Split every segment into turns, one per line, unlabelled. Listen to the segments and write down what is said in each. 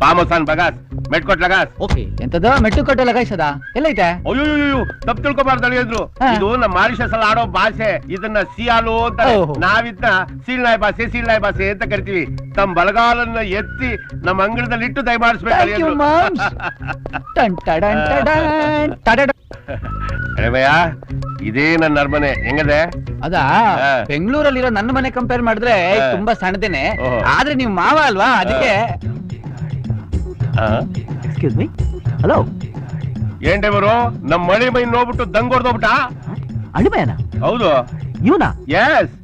ಪಾಮೋಸಾನ್ ಬಗಾಸ್ ಮೆಟ್ಕೊಟ್ ಲಗಾಸ್.
Okay ಎಂತದ ಮೆಟ್ಟು ಕೊಟ್ಟು ಲಗಾಯಿಸದ ಎಲ್ಲೈತೆ?
ಅಯ್ಯೋ ತಪ್ಪು ತಿಳ್ಕೊಬಾರ್ದು ಅಳಿಯಂದ್ರು. ಇದು ನಮ್ಮ ಮಾರಿಷಸ್ ಅಲ್ಲಿ ಆಡೋ ಭಾಷೆ. ಇದನ್ನ ಸಿಯಾಲು ಅಂತಾರೆ. ನಾವಿದ್ನ ಸೀಳ್ನಾಯ್ ಭಾಷೆ ಅಂತ ಕರಿತೀವಿ. ತಮ್ಮ ಬಲಗಾಲನ್ನ ಎತ್ತಿ ನಮ್ಮ ಅಂಗಳದಲ್ಲಿ ಇಟ್ಟು ದಯಮಾಡಿಸ್ಬೇಕು ಅಳಿಯಂದ್ರು. ಭಯ ಇದೇ ನನ್ನ ಅರಮನೆ. ಹೆಂಗದೆ?
ಅದಾ ಬೆಂಗಳೂರಲ್ಲಿರೋ ನನ್ನ ಮನೆ ಕಂಪೇರ್ ಮಾಡಿದ್ರೆ ತುಂಬಾ ಸಣ್ಣದೇನೆ. ಆದ್ರೆ ನೀವು ಮಾವ ಅಲ್ವಾ, ಅದಕ್ಕೆ.
Excuse me, hello.
ಏನ್ ಡ್ರೈವರು ನಮ್ಮ ಮಳಿ ಮೈ ನೋಡ್ಬಿಟ್ಟು ದಂಗೋರ್ದೋಗ್ಬಿಟ್ಟ?
ಅಳಿಮಯನ?
ಹೌದು.
ಇವನಾ?
ಎಸ್.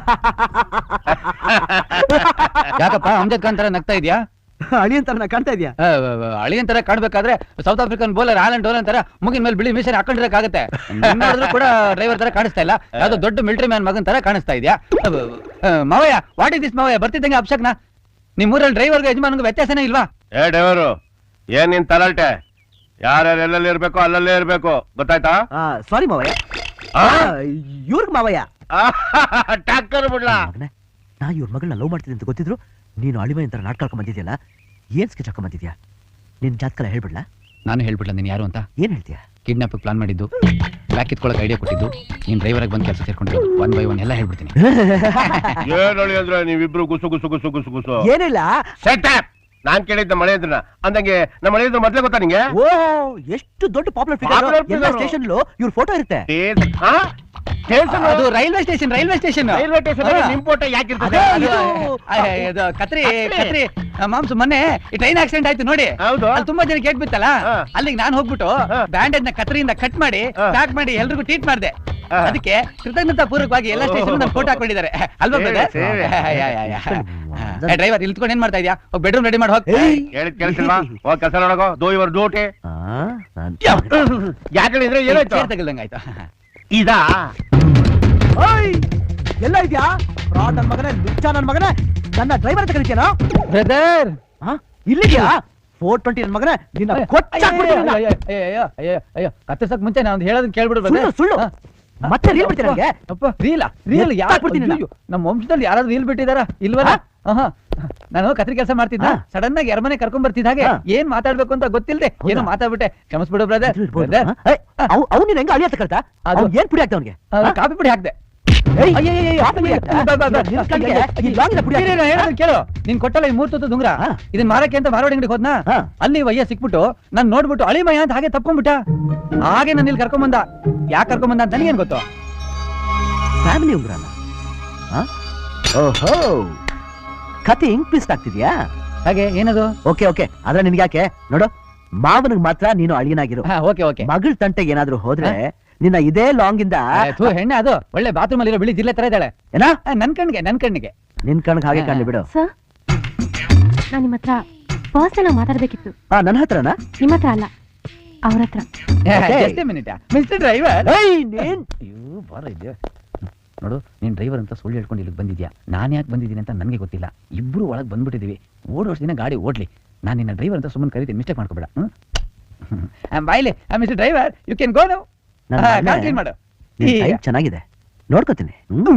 ಯಾಕಪ್ಪ ಅಮ್ಜದ್ ಖಾನ್ ತರ ನಗ್ತಾ ಇದ್ಯಾ?
ಅಳಿಯನ್ ತರ ಕಾಣ್ತಾ ಇದೆಯಾ?
ಅಳಿಯನ್ ತರ ಕಾಣ್ಬೇಕಾದ್ರೆ South African bowler Alan Dolan ತರ ಮುಗಿನ ಮೇಲೆ ಬಿಳಿ ಮಿಷನ್ ಹಾಕೊಂಡಿರಕ್ಕಾಗತ್ತೆ. ಕೂಡ ಡ್ರೈವರ್ ತರ ಕಾಣಿಸ್ತಾ ಇಲ್ಲ, ಯಾವ್ದೋ ದೊಡ್ಡ ಮಿಲಿಟರಿ ಮ್ಯಾನ್ ಮಗನ್ ತರ ಕಾಣಿಸ್ತಾ ಇದೆಯಾ? ಮಾವಯ್ಯ, ವಾಟ್ ಇಸ್ ದಿಸ್ ಮಾವಯ್ಯ? ಬರ್ತಿದ್ದಂಗೆ ಅಪ್ಶಕ್ನ ನಿಮ್ಮೂರಲ್ಲಿ ಡ್ರೈವರ್ಗೆ ಯಜಮಾನ್ಗೆ ವ್ಯತ್ಯಾಸನೇ ಇಲ್ವಾ?
ಏ ಡ್ರೈವರು, ಏನ್ ನಿನ್ ತಲಾಟೆ? ಯಾರ್ಯಾರು ಎಲ್ಲೆಲ್ಲಿ ಇರ್ಬೇಕು ಅಲ್ಲಲ್ಲೇ ಇರ್ಬೇಕು, ಗೊತ್ತಾಯ್ತಾ?
ಸಾರಿ ಮಾವಯ್ಯ. ಇವ್ರಿಗೆ ಮಾವಯ್ಯ
ಟಾಕರ್ ಬಿಡ್ಲಾ?
ನಾ ಇವ್ರ ಮಗಳನ್ನ ಲವ್ ಮಾಡ್ತಿದ್ದೆ ಅಂತ ಗೊತ್ತಿದ್ರು ನೀನು ಅಳಿಮಯನ್ ತರ ನಾಟಕ ಹಾಕೊಂಡ್ ಬಂದಿದ್ಯಲ್ಲ, ಏನ್ ಸ್ಕೆಚ್ ಹಾಕೊಂಡ್ ಬಂದಿದ್ಯಾ? ನಿನ್ ಜಾತಕಲ್ಲ ಹೇಳ್ಬಿಡ್ಲಾ?
ನಾನು ಹೇಳ್ಬಿಡ್ಲ ನೀನ್ ಯಾರು ಅಂತ?
ಏನ್ ಹೇಳ್ತೀಯ?
ಕಿಡ್ನಾಪ್ ಪ್ಲಾನ್ ಮಾಡಿದ್ದು, ಬ್ಯಾಕ್ ಕಿತ್ಕೊಳ್ಳೋಕೆ ಐಡಿಯಾ ಕೊಟ್ಟಿದ್ದು, ನೀನ್ ಡ್ರೈವರ್ ಬಂದು ಕೆಲಸ ಸೇರ್ಕೊಂಡಿದ್ದು, 1 by 1 ಎಲ್ಲ ಹೇಳ್ಬಿಡ್ತೀನಿ.
ಏನ್ ಹೇಳಿ ಅಂದ್ರೆ ನೀವಿಬ್ರು ಗುಸು ಗುಸು ಗುಸು ಗುಸು ಗುಸು.
ಏನಿಲ್ಲ,
ಸೆಟ್ ಅಪ್. ನಾನ್ ಕೇಳಿದ್ದ ಮಳೆ ಇದ್ರ ಅಂದಂಗೆ ನಮ್ಮ ಮಳೆ ಇದ್ರ ಮೊದ್ಲೇ ಗೊತ್ತಾ ನಿಂಗೆ?
ಓ ಎಷ್ಟು ದೊಡ್ಡ ಪಾಪ್ಯುಲರ್ ಫಿಗರ್. ಎಲ್ಲ ಸ್ಟೇಷನ್ ಇವ್ರ ಫೋಟೋ ಇರುತ್ತೆ.
ಅದು ರೈಲ್ವೆ ಸ್ಟೇಷನ್.
ರೈಲ್ವೆ ಸ್ಟೇಷನ್ ನಿಮ್ ಫೋಟೋ ಯಾಕಿರ್ತದೆ?
ಕತ್ರಿ ಮಾಂಸು, ಮೊನ್ನೆ ಈ ಟ್ರೈನ್ ಆಕ್ಸಿಡೆಂಟ್ ಆಯ್ತು ನೋಡಿ.
ಹೌದು.
ಅಲ್ಲಿ ತುಂಬಾ ಜನ ಕೇಟ್ ಬಿತ್ತಲ್ಲ, ಅಲ್ಲಿಗೆ ನಾನು ಹೋಗ್ಬಿಟ್ಟು ಬ್ಯಾಂಡೇಜ್ ನ ಕತ್ರಿಯಿಂದ ಕಟ್ ಮಾಡಿ ಪ್ಯಾಕ್ ಮಾಡಿ ಎಲ್ರಿಗೂ ಟ್ರೀಟ್ ಮಾಡಿದೆ. ಅದಕ್ಕೆ ಕೃತಜ್ಞತಾ ಪೂರ್ವಕವಾಗಿ ಎಲ್ಲ ಸ್ಟೇಷನ್ ನನ್ನ ಫೋಟೋ ಹಾಕೊಂಡಿದ್ದಾರೆ ಅಲ್ವಾ? ಡ್ರೈವರ್ ಇಲ್ತ್ಕೊಂಡು ಏನ್ ಮಾಡ್ತಾ ಇದ್ಯಾ? ಬೆಡ್ರೂಮ್ ರೆಡಿ ಮಾಡಿ ಹೋಗಿ.
ಹೇಳಿದ್ ಕೆಲಸಲ್ವಾ? ಹೋಗಿ ಕೆಲಸ ನೋಡೋ. Do your duty. ಯಾಕಂದ್ರೆ ಏನಾಯ್ತು?
ತಗಲ್ದಂಗಾಯ್ತು.
ಇದಾ
ಎಲ್ಲ ಇದ್ಯಾ? ನನ್ ಮಗನೇ, ಲುಚ್ಚ ನನ್ ಮಗನೇ, ನನ್ನ ಡ್ರೈವರ್ ಅಂತ ಕರಿತೀಯಾ?
ಬ್ರದರ್
ಇಲ್ಲಿದ್ಯಾ? 420 ನನ್ ಮಗನೇ, ನಿನ್ನ
ಅಯ್ಯೋ ಕತ್ತರ್ಸಕ್ ಮುಂಚೆ ನಾನು ಹೇಳೋದನ್ನ ಕೇಳ್ಬಿಡು.
ಸುಳ್ಳು ಮತ್ತೆ ರೀಲ್ ಬಿಡ್ತೀನಿ ನನಗೆ.
ಅಪ್ಪ ರೀಲ್ ಯಾರು? ನಮ್ಮ ವಂಶದಲ್ಲಿ ಯಾರಾದ್ರೂ ರೀಲ್ ಬಿಟ್ಟಿದಾರ? ಇಲ್ವಲ್ಲ. ನಾನು ಕತ್ರಿ ಕೆಲಸ ಮಾಡ್ತಿದ್ದ, ಸಡನ್ ಆಗಿ ಅರಮನೆ ಕರ್ಕೊಂಡ್ ಬರ್ತಿದ್ದ ಹಾಗೆ ಏನ್ ಮಾತಾಡ್ಬೇಕು ಅಂತ ಗೊತ್ತಿಲ್ಲದೆ ಏನೋ ಮಾತಾಡ್ಬಿಟ್ಟೆ. ಕ್ಷಮಿಸ್ಬಿಡು ಬ್ರದರ್.
ಅವ್ನು ನೀನ್ ಹೆಂಗ ಅಳಿಯತ್ತ ಕಳ್ತಾ? ಅದು ಏನ್ ಪುಡಿ ಹಾಕ್ತ ಅವ್ನಿಗೆ?
ಕಾಫಿ ಪುಡಿ ಹಾಕ್ದೆ. ಕೇಳು, ನೀನ್ ಕೊಟ್ಟಲ್ಲ ಈ 3 ತುತ್ತು ದುಂಗ್ರ, ಇದನ್ ಮಾರಕ್ಕೆ ಅಂತ ಮಾರವಾಡಿ ಅಂಗಡಿಗೆ ಹೋದ್ನಾ? ಅಲ್ಲಿ ವಯ್ಯ ಸಿಕ್ಬಿಟ್ಟು ನಾನ್ ನೋಡ್ಬಿಟ್ಟು ಅಳಿಮಯ್ಯ ಅಂತ ಹಾಗೆ ತಪ್ಕೊಂಡ್ಬಿಟ್ಟ. ಹಾಗೆ ನನ್ನ ಇಲ್ಲಿ ಕರ್ಕೊಂಡ್ ಬಂದ. ಯಾಕೆ ಕರ್ಕೊಂಡ್ ಬಂದ ಅಂತ ನನಗೇನ್ ಗೊತ್ತು?
ಫ್ಯಾಮಿಲಿ ಉಂಗ್ರಲ್ಲ. ಓಹೋ, ಕತೆ ಹಿಂಗ್ ಟ್ವಿಸ್ಟ್ ಆಗ್ತಿದ್ಯಾ?
ಹಾಗೆ ಏನದು?
ಓಕೆ ಓಕೆ, ಆದ್ರೆ ನಿನ್ಗೆ ಯಾಕೆ? ನೋಡು, ಮಾವನಿಗೆ ಮಾತ್ರ ನೀನು ಅಳಿಯನಾಗಿರು. ಮಗಳ ತಂಟೆಗೆ ಏನಾದ್ರು ಹೋದ್ರೆ ನಿನ್ನ ಇದೇ ಲಾಂಗ್ ಇಂದ
ಹೆಣ್ಣೆ ಅದು ಒಳ್ಳೆ ಬಾತ್ರೂಮ್ ಅಲ್ಲಿ ಬಿಳಿ ಜಿಲ್ಲೆ ತರ ಇದ್ದಾಳೆ.
ಏನಾ?
ನನ್ ಕಣ್ಣಿಗೆ
ನಿನ್ ಕಣ್ಣಿಗೆ ಹಾಗೆ ಕಾಣಲಿ ಬಿಡು.
ನಾನು ನಿಮ್ಮ ಹತ್ರ ಪರ್ಸನಲ್ ಮಾತಾಡ್ಬೇಕಿತ್ತು.
ನನ್ನ ಹತ್ರನಾ?
ನಿಮ್ಮ ಹತ್ರ ಅಲ್ಲ, ಅವ್ರ ಹತ್ರ.
Mister driver. ನೋಡು, ನೀನ್ ಡ್ರೈವರ್ ಅಂತ ಸುಳ್ಳು ಹೇಳ್ಕೊಂಡು ಇಲ್ಲಿಗೆ ಬಂದಿದ್ಯಾ. ನಾನ್ ಯಾಕೆ ಬಂದಿದ್ದೀನಿ ಅಂತ ನನಗೆ ಗೊತ್ತಿಲ್ಲ. ಇಬ್ರು ಒಳಗೆ ಬಂದ್ಬಿಟ್ಟಿದೀವಿ. ಓಡೋಷ್ಟು ದಿನ ಗಾಡಿ ಓಡ್ಲಿ. ನಾನು ನಿನ್ನ ಡ್ರೈವರ್ ಅಂತ ಸುಮ್ಮನೆ ಕರಿತೀನಿ, ಮಿಸ್ಟೇಕ್ ಮಾಡ್ಕೋಬೇಡ. ಬಾಯ್ಲಿ mister driver, you can go now. ಮಾಡು.
ಚೆನ್ನಾಗಿದೆ, ನೋಡ್ಕೋತೀನಿ.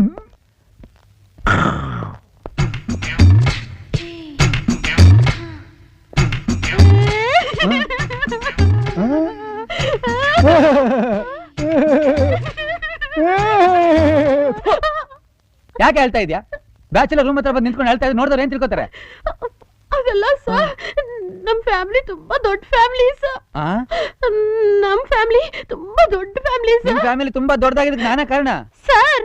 ಯಾಕೆ ಹೇಳ್ತಾ ಇದ್ಯಾ? ಬ್ಯಾಚುಲರ್ ರೂಮ್ ಹತ್ರ ಬಂದು ನಿಂತ್ಕೊಂಡು ಹೇಳ್ತಾ ಇದ್ರೆ ನೋಡಿದ್ರೆ ಏನ್ ತಿಳ್ಕೊತಾರೆ?
ಅದೆಲ್ಲ ಸರ್, ನಮ್ ಫ್ಯಾಮಿಲಿ ತುಂಬಾ ದೊಡ್ಡ ಫ್ಯಾಮಿಲಿ ಸರ್. ನಮ್ ಫ್ಯಾಮಿಲಿ ತುಂಬಾ ದೊಡ್ಡ ಫ್ಯಾಮಿಲಿ ಸರ್.
ನಿಮ್ ಫ್ಯಾಮಿಲಿ ತುಂಬಾ ದೊಡ್ಡದಾಗಿದ್ದಕ್ಕೆ ನಾನೇ ಕಾರಣ
sir.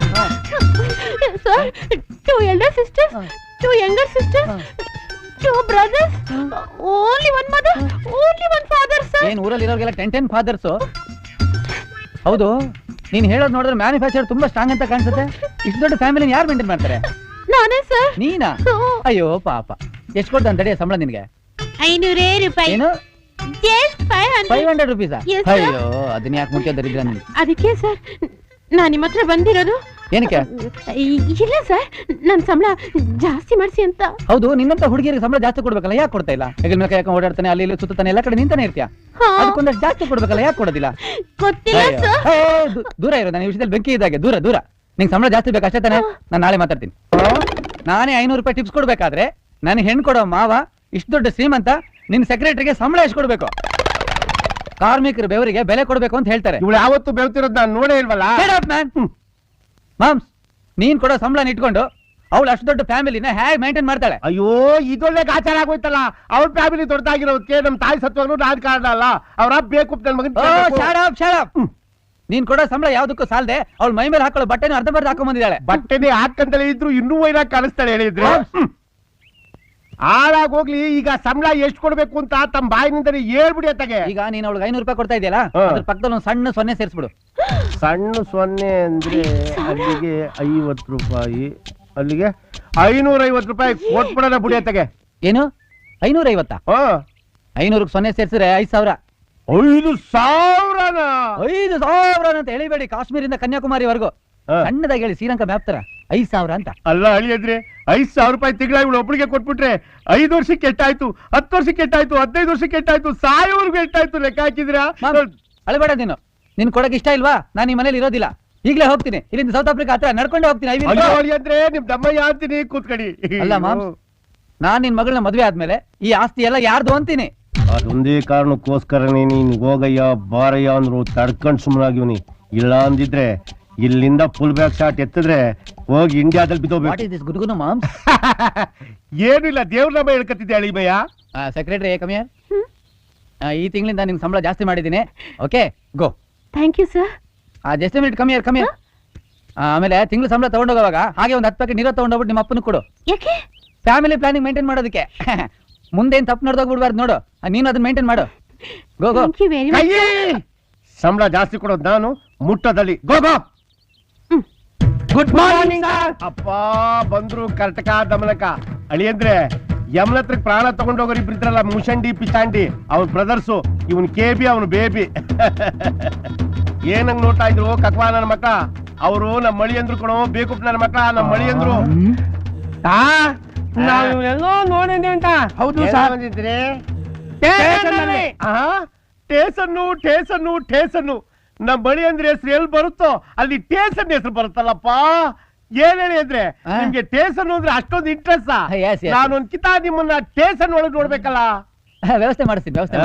Sir, 2 elder sisters, 2 younger sisters, 2 brothers, only 1 mother, only 1 father sir.
ಏನ್ ಊರಲ್ಲಿ ಇರೋರಿಗೆಲ್ಲ 10 ಫಾದರ್ಸ್? ಹೌದು, ನೀನ್ ಹೇಳೋದು ನೋಡಿದ್ರೆ ಮ್ಯಾನುಫ್ಯಾಕ್ಚರ್ ತುಂಬಾ ಸ್ಟ್ರಾಂಗ್ ಅಂತ ಕಾಣಿಸುತ್ತೆ. ಇಷ್ಟು ದೊಡ್ಡ ಫ್ಯಾಮಿಲಿ ಯಾರು ಮೇಂಟೈನ್ ಮಾಡ್ತಾರೆ?
ನಾನೇ ಸರ್.
ನೀನಾ? ಅಯ್ಯೋ ಪಾಪ. ಎಷ್ಟು ಕೊಡ್ತಾನೆ ತಡೆಯ ಸಂಬಳ ನಿನ್ಗೆ?
500 ರೂಪಾಯಿ.
ಏನು?
ಜಸ್ಟ್
500 ರೂಪೀಸಾ? ಅಯ್ಯೋ, ಅದನ್ನ ಯಾಕೆ ಮುಖ್ಯ ದರಿದ್ರ ನೀನು?
ಅದಕ್ಕೆ ಸರ್ ನಾನು ನಿಮ್ಮ ಹತ್ರ ಬಂದಿರೋದು.
ಏನಕ್ಕೆ?
ಇಲ್ಲ ಸರ್, ನನ್ನ ಸಂಬಳ ಜಾಸ್ತಿ ಮಾಡಿಸಿ ಅಂತ.
ಹೌದು, ನಿನ್ನಂತ ಹುಡುಗಿಯರಿಗೆ ಸಂಬಳ ಜಾಸ್ತಿ ಕೊಡ್ಬೇಕಲ್ಲ, ಯಾಕೆ ಕೊಡ್ತಾ ಇಲ್ಲ? ಹೆಗಲ ಮೇಲೆ ಯಾಕೆ ಓಡಾಡ್ತಾನೆ, ಅಲ್ಲಿ ಇಲ್ಲಿ ಸುತ್ತಾನೆ, ಎಲ್ಲ ಕಡೆ ನಿಂತಾನೆ ಇರ್ತೀಯ. ಅದಕ್ಕೊಂದಷ್ಟು ಜಾಸ್ತಿ ಕೊಡ್ಬೇಕಲ್ಲ, ಯಾಕೆ ಕೊಡೋದಿಲ್ಲ?
ಗೊತ್ತಿಲ್ಲ ಸರ್.
ದೂರ ಇರೋ, ನನ್ನ ವಿಷಯದಲ್ಲಿ ಬೆಂಕಿ ಇದ್ದಾಗೆ. ದೂರ ದೂರ. ನಿಂಗೆ ಸಂಬಳ ಜಾಸ್ತಿ ಬೇಕು ಅಷ್ಟೇ ತಾನೆ? ನಾನು ನಾಳೆ ಮಾತಾಡ್ತೀನಿ. ನಾನೇ 500 ರೂಪಾಯಿ ಟಿಪ್ಸ್ ಕೊಡ್ಬೇಕಾದ್ರೆ ನಾನು ಹೆಣ್ಣು ಕೊಡೋ ಮಾವ ಇಷ್ಟು ದೊಡ್ಡ ಶ್ರೀಮಂತ ನಿನ್ ಸೆಕ್ರೆಟರಿಗೆ ಸಂಬಳ ಎಷ್ಟು ಕೊಡ್ಬೇಕು? ಕಾರ್ಮಿಕರ ಬೆವರಿಗೆ ಬೆಲೆ ಕೊಡ್ಬೇಕು ಅಂತ ಹೇಳ್ತಾರೆ.
ಇವಳು ಯಾವತ್ತು ಬೆವ್ತಿರೋದ್ ನಾನು ನೋಡೇ ಇಲ್ವಲ್ಲ.
ಮಾಮ್ಸ್, ನೀನ್ ಕೊಡೋ ಸಂಬಳ ಇಟ್ಕೊಂಡು ಅವಳು ಅಷ್ಟು ದೊಡ್ಡ ಫ್ಯಾಮಿಲಿನ ಹೇಗೆ ಮೇಂಟೈನ್ ಮಾಡ್ತಾಳೆ?
ಅಯ್ಯೋ ಇದೊಳ್ಳೆ ಗಾಚಾರ ಆಗೋಯ್ತಲ್ಲ. ಅವ್ರ ಫ್ಯಾಮಿಲಿ ದೊಡ್ಡದಾಗಿರೋದಕ್ಕೆ ನಮ್ ತಾಯಿ ಸತ್ವಾಗ್ಲೂ ರಾಜಕಾರಣ ಅಲ್ಲ. ಅವ್ರ ಬೇಕು ನನ್ ಮಗನ್.
ನೀನ್ ಕೊಡೋ ಸಂಬಳ ಯಾವ್ದಕ್ಕೂ ಸಾಲದೆ ಅವಳು ಮೈ ಮೇಲೆ ಹಾಕೊಳ್ಳೋ ಬಟ್ಟೆನ ಅರ್ಧಂಬರ್ಧ ಹಾಕೊಂಡ್ ಬಂದಿದ್ದಾಳೆ.
ಬಟ್ಟೆನೇ ಹಾಕಂತಲೇ ಇದ್ರು ಇನ್ನೂ ವೈರಾಗ್ ಕಾಣಿಸ್ತಾಳೆ ಹೇಳಿದ್ರೆ. ಹಾಳಾಗ್ ಹೋಗ್ಲಿ. ಈಗ ಸಂಬಳ ಎಷ್ಟು ಕೊಡ್ಬೇಕು ಅಂತ ತಮ್ಮ ಬಾಯಿನಿಂದಲೇ ಹೇಳ್ಬಿಡಿ ಅತ್ತಗೆ.
ಈಗ ನೀನ್ ಅವಳಿಗೆ 500 ರೂಪಾಯಿ ಕೊಡ್ತಾ ಇದೆಯಲ್ಲ, ಅದ್ರ ಪಕ್ಕದಲ್ಲಿ ಒಂದು ಸಣ್ಣ ಸೊನ್ನೆ ಸೇರಿಸ್ಬಿಡು.
ಸಣ್ಣ ಸೊನ್ನೆ ಅಂದ್ರೆ ಅಲ್ಲಿಗೆ 50 ರೂಪಾಯಿ, ಅಲ್ಲಿಗೆ 550 ರೂಪಾಯಿ ಕೊಟ್ಬಿಡೋಣ ಬುಡಿ ಅತ್ತಗೆ.
ಏನು 550? 500 ಸೊನ್ನೆ ಸೇರಿಸಿದ್ರೆ 5000.
5,000?
5,000 ಅಂತ ಹೇಳಿಬೇಡಿ, ಕಾಶ್ಮೀರಿಂದ ಕನ್ಯಾಕುಮಾರಿವರೆಗೂ ಸಣ್ಣದಾಗಿ ಹೇಳಿ, ಶ್ರೀಲಂಕಾ ಮ್ಯಾಪ್ ತರ 5,000 ಅಂತ.
ಅಲ್ಲ ಅಳಿಯದ್ರೆ 5,000 ರೂಪಾಯಿ ತಿಂಗಳ ಇವಳು ಒಬ್ಬಳಿಗೆ ಕೊಟ್ಬಿಟ್ರೆ 5 ವರ್ಷಕ್ಕೆ ಎಷ್ಟಾಯ್ತು, 10 ವರ್ಷಕ್ಕೆ ಎಷ್ಟಾಯ್ತು, 15 ವರ್ಷಕ್ಕೆ ಎಷ್ಟಾಯ್ತು, ಸಾಯೋವರೆಗೂ ಎಷ್ಟಾಯ್ತು ಲೆಕ್ಕ ಹಾಕಿದ್ರ?
ಅಳಬೇಡ ನೀನು. ನಿನ್ ಕೊಡಕ್ ಇಷ್ಟ ಇಲ್ವಾ? ನಾನು ಈ ಮನೇಲಿ ಇರೋದಿಲ್ಲ, ಈಗಲೇ ಹೋಗ್ತೀನಿ. ಇಲ್ಲಿಂದ ಸೌತ್ ಆಫ್ರಿಕಾ ಹತ್ರ ನಡ್ಕೊಂಡೆ ಹೋಗ್ತೀನಿ.
ಅಂದ್ರೆ ನಿಮ್ ದಮ್ಮಯ್ಯ ಅಂತೀನಿ, ಕೂತ್ಕಡಿ.
ಅಲ್ಲ ಮಾಮ್, ನಾನ್ ನಿನ್ ಮಗಳನ್ನ ಮದ್ವೆ ಆದ್ಮೇಲೆ ಈ ಆಸ್ತಿ ಎಲ್ಲ ಯಾರ್ದು ಅಂತೀನಿ.
ಅದೊಂದೇ ಕಾರಣಕ್ಕೋಸ್ಕರನೇ ನೀನ್ ಹೋಗಯ್ಯ ಬಾರಯ್ಯ ಅಂದ್ರು ತಡ್ಕೊಂಡ್ ಸುಮ್ಮನಾಗಿವ್ನಿ. ಇಲ್ಲ ಅಂದಿದ್ರೆ ಇಲ್ಲಿಂದ ಫುಲ್ ಬ್ಯಾಕ್ ಶಾಟ್ ಎತ್ತಿದ್ರೆ ಹೋಗಿ ಇಂಡಿಯಾದಲ್ಲಿ ಬಿದ್ದೋಗ್ಬೇಕು.
ಗುರುಗುನು ಮಾಮ್.
ಏನು ಇಲ್ಲ, ದೇವ್ರ ನಾಮ ಹೇಳ್ಕತ್ತಿದ್ದೆ ಅಳಿಮಯ್ಯ.
ಸೆಕ್ರೆಟರಿ ಕಮಿಯರ್, ಈ ತಿಂಗಳಿಂದ ನಿಮ್ ಸಂಬಳ ಜಾಸ್ತಿ ಮಾಡಿದ್ದೀನಿ. Okay, go.
Thank you sir.
Just minute, come here. ಆಮೇಲೆ ತಿಂಗಳು ಸಂಬಳ ತಗೊಂಡೋಗುವಾಗ ಹಾಗೆ ಒಂದು 10 ಪ್ಯಾಕೆಟ್ ನೀರು ತಗೊಂಡೋಗ್ಬಿಟ್ಟು ನಿಮ್ಮ ಅಪ್ಪನ ಕೊಡು.
ಯಾಕೆ?
ಫ್ಯಾಮಿಲಿ ಪ್ಲಾನಿಂಗ್ ಮೇಂಟೈನ್ ಮಾಡೋದಕ್ಕೆ. ಮುಂದೇನ್ ತಪ್ಪು ನೋಡ್ದೋಗ್ಬಿಡ್ಬಾರ್ದು ನೋಡು, ನೀನು ಅದನ್ನ ಮೇಂಟೈನ್ ಮಾಡು. Go go.
Thank you very much.
ಸಂಬಳ ಜಾಸ್ತಿ ಕೊಡೋದು ನಾನು, ಮುಟ್ಟದಲ್ಲಿ. ಗೋ ಗೋ. Good morning. ಅಪ್ಪ ಬಂದ್ರು ಕರ್ಟಕ ದಮನಕ. ಅಳಿಯಂದ್ರೆ ಯಮನತ್ರ ಪ್ರಾಣ ತಗೊಂಡೋಗೋರು ಇಬ್ರು ಇದ್ರಲ್ಲ, ಮುಷಂಡಿ ಪಿಚಾಂಡಿ, ಅವ್ರ ಬ್ರದರ್ಸು. ಇವನ್ ಕೇಬಿ, ಅವನು ಬೇಬಿ. ಏನಂಗ್ ನೋಡ್ತಾ ಇದ್ರು ಕಕ್ವಾ ನನ್ನ ಮಕ್ಕ. ಅವರು ನಮ್ಮ ಮಳಿ ಅಂದ್ರು ಕಣೋ, ಬೇಕು ನನ್ನ ಮಕ್ಕ, ನಮ್ಮ ಮಳಿ ಅಂದ್ರು. ನಾವೆಲ್ಲೋ ನೋಡಿದ್ವಿ ಅಂತ. ಹೌದು ಸರ್. ಟೇಸನ್ನು ಟೇಸನ್ನು ಟೇಸನ್ನು. ನಮ್ಮ ಬಳಿ ಅಂದ್ರೆ ಹೆಸರು ಎಲ್ಲಿ ಬರುತ್ತೋ ಅಲ್ಲಿ ಟೇಸನ್ ಹೆಸರು ಬರುತ್ತಲ್ಲಪ್ಪ. ಏನ್ ಹೇಳಿ ಅಂದ್ರೆ ನಿಮ್ಗೆ ಟೇಸನ್ ಅಂದ್ರೆ ಅಷ್ಟೊಂದು ಇಂಟ್ರೆಸ್ಟ್. ನಾನೊಂದ್ ಕಿತಾ ನಿಮ್ಮನ್ನ ಟೇಸನ್ ಒಳಗೆ ನೋಡ್ಬೇಕಲ್ಲ.
ವ್ಯವಸ್ಥೆ ಮಾಡಿಸ್ತೀನಿ, ವ್ಯವಸ್ಥೆ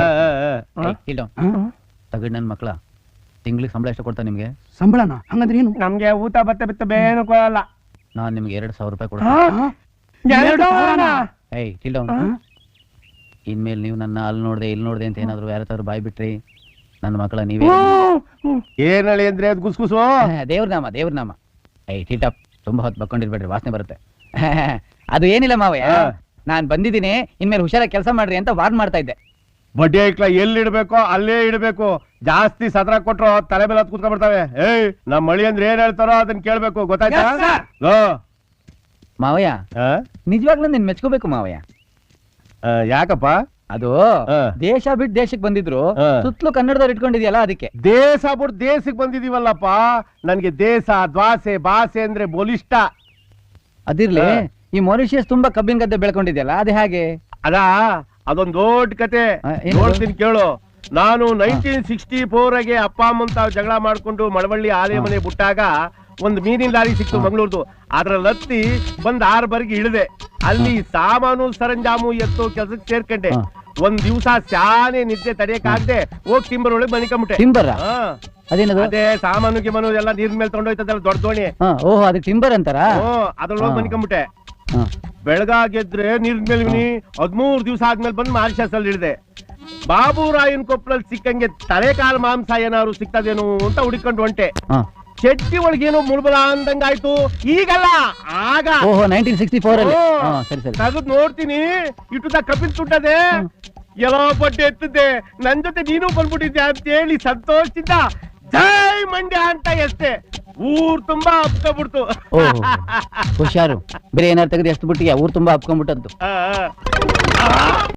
ತಗಡ್ ನನ್ ಮಕ್ಳ. ತಿಂಗ್ಳಿಗೆ ಸಂಬಳ ಎಷ್ಟು ಕೊಡ್ತಾ ನಿಮ್ಗೆ?
ಸಂಬಳನ? ಹಂಗಂದ್ರೆ ಏನು?
ನಮ್ಗೆ ಊಟ ಬತ್ತ ಬಿತ್ತ ಬೇನು ಕೊಡಲ್ಲ.
ನಾನ್ ನಿಮ್ಗೆ 2,000 ರೂಪಾಯಿ ಕೊಡ್ತೀನಿ. ಇನ್ಮೇಲೆ ನೀವು ನನ್ನ ಅಲ್ಲಿ ನೋಡ್ದೆ ಇಲ್ಲಿ ನೋಡ್ದೆ ಅಂತ ಏನಾದ್ರು ಯಾರತ್ತಾದ್ರು ಬಾಯ್ ಬಿಟ್ರಿ ನನ್ನ ಮಕ್ಕಳ ನೀವೇ.
ಏನ್ ಹೇಳಿ ಅಂದ್ರೆ ಅದು ಗುಸ್ಗುಸು.
ದೇವ್ರ ನಾಮ, ದೇವ್ರ ನಾಮ. ಟೀಟಪ್ ತುಂಬಾ ಹೊತ್ತು ಬಕ್ಕೊಂಡಿರ್ಬೇಡ್ರಿ, ವಾಸನೆ ಬರುತ್ತೆ. ಅದು ಏನಿಲ್ಲ ಮಾವಯ್ಯ, ನಾನ್ ಬಂದಿದ್ದೀನಿ, ಇನ್ಮೇಲೆ ಹುಷಾರಾಗಿ ಕೆಲಸ ಮಾಡ್ರಿ ಅಂತ ವಾರ್ನ್ ಮಾಡ್ತಾ ಇದ್ದೆ.
ಬಡ್ಡಿ ಐಕ್ಲ ಎಲ್ಲಿ ಇಡ್ಬೇಕೋ ಅಲ್ಲೇ ಇಡ್ಬೇಕು. ಜಾಸ್ತಿ ಸದ್ರ ಕೊಟ್ರು ತಲೆ ಮೇಲೆ ಹತ್ ಕುತ್ಕೊಂಡ್ ಬಿಡ್ತಾವೆ. ನಮ್ ಮಳಿ ಅಂದ್ರೆ ಏನ್ ಹೇಳ್ತಾರೋ ಅದನ್ನ ಕೇಳ್ಬೇಕು, ಗೊತ್ತಾಯ್ತಾ?
ಮಾವಯ್ಯ ನಿಜವಾಗ್ಲೂ ನಿನ್ ಮೆಚ್ಕೋಬೇಕು ಮಾವಯ್ಯ.
ಯಾಕಪ್ಪ?
ಅದು ದೇಶ ಬಿಟ್ಟು ದೇಶಕ್ಕೆ ಬಂದಿದ್ರು, ಸುತ್ತಲೂ ಕನ್ನಡದವ್ರು ಇಟ್ಕೊಂಡಿದ್ಯಲ್ಲ ಅದಕ್ಕೆ.
ದೇಶ ಬಿಟ್ಟು ದೇಶಕ್ಕೆ ಬಂದಿದೀವಲ್ಲಪ್ಪ. ನನ್ಗೆ ದೇಶ ದ್ವಾಸೆ ಭಾಷೆ ಅಂದ್ರೆ ಬೋಲಿಷ್ಟ.
ಅದಿರ್ಲಿ, ಈ ಮಾರಿಷಿಯಸ್ ತುಂಬಾ ಕಬ್ಬಿನ ಗದ್ದೆ ಬೆಳ್ಕೊಂಡಿದ್ಯಲ್ಲ, ಅದು ಹೇಗೆ?
ಅದೊಂದ್ ದೊಡ್ಡ ಕತೆ ನೋಡ್ತೀನಿ ಕೇಳು. ನಾನು 1964 ಅಪ್ಪ ಅಮ್ಮನ್ ತಾವ್ ಜಗಳ ಮಾಡ್ಕೊಂಡು ಮಳವಳ್ಳಿ ಆಲೆ ಮನೆ ಬಿಟ್ಟಾಗ ಒಂದ್ ಮೀನಿನ ಲಾರಿ ಸಿಕ್ತು ಮಂಗಳೂರ್ದು. ಅದ್ರಲ್ಲಿ ಹತ್ತಿ ಬಂದ್ 6 ಬರ್ಗೆ ಇಳಿದೆ. ಅಲ್ಲಿ ಸಾಮಾನು ಸರಂಜಾಮು ಎತ್ತು ಕೆಲ್ಸಕ್ಕೆ ಸೇರ್ಕೊಂಡೆ. ಒಂದ್ ದಿವ್ಸ ಶಾನೆ ನಿದ್ದೆ ತಡೆಯಕ್ಕಾಗದೆ ಹೋಗಿ ಟಿಂಬರ್ ಒಳಗೆ ಮನಿಕೊಂಬಿಟ್ಟೆ.
ಟಿಂಬರ್?
ಅದೇ ಸಾಮಾನು ಗಿಮಾನು ಎಲ್ಲ ನೀರ್ ಮೇಲೆ ತಗೊಂಡೋಯ್ತದಲ್ಲ ದೊಡ್ಡ ದೋಣಿ.
ಓಹೋ, ಅದು ಟಿಂಬರ್ ಅಂತಾರ?
ಅದ್ರೊಳಗೆ ಮನಿಕೊಂಬಿಟ್ಟೆ. ಬೆಳಗಾಗೆದ್ರೆ ನೀರ್ ಮೇಲೆ 13 ದಿವಸ ಆದ್ಮೇಲೆ ಬಂದು ಮಾರಿಷಸ್ ಅಲ್ಲಿ ಇಳಿದೆ. ಬಾಬುರಾಯನ್ ಕೊಪ್ಪಳಲ್ಲಿ ಸಿಕ್ಕಂಗೆ ತಲೆ ಕಾಲು ಮಾಂಸ ಏನಾದ್ರು ಸಿಕ್ತದೇನು ಅಂತ ಹುಡುಕೊಂಡು ಹೊಂಟೆ. ಚಟ್ಟಿ ಒಳಗೇನೋ ಮುಳ್ಬಲ ಅಂದಂಗಾಯ್ತು. ಈಗಲ್ಲ, ಆಗ
1964
ತಗದ್ ನೋಡ್ತೀನಿ, ಇಟ್ಟುದ ಕಪಿಲ್ ತುಟ್ಟದೆ ಎಲ್ಲೋ ಬಡ್ಡೆ ಎತ್ತಿದ್ದೆ. ನನ್ ಜೊತೆ ನೀನು ಬಂದ್ಬಿಟ್ಟಿದ್ದೆ ಅಂತ ಹೇಳಿ ಸಂತೋಷದಿಂದ ಜೈ ಮಂಡ್ಯ ಅಂತ ಎಷ್ಟೇ ಊರ್ ತುಂಬಾ ಹಬ್ಕೊಂಡ್ಬಿಡ್ತು.
ಹುಷಾರು, ಬೇರೆ ಏನಾರು ತೆಗೆದು ಎಷ್ಟು ಬಿಟ್ಟಿಗೆ ಊರ್ ತುಂಬಾ ಹಬ್ಕೊಂಡ್ಬಿಟ್ಟದ್ದು.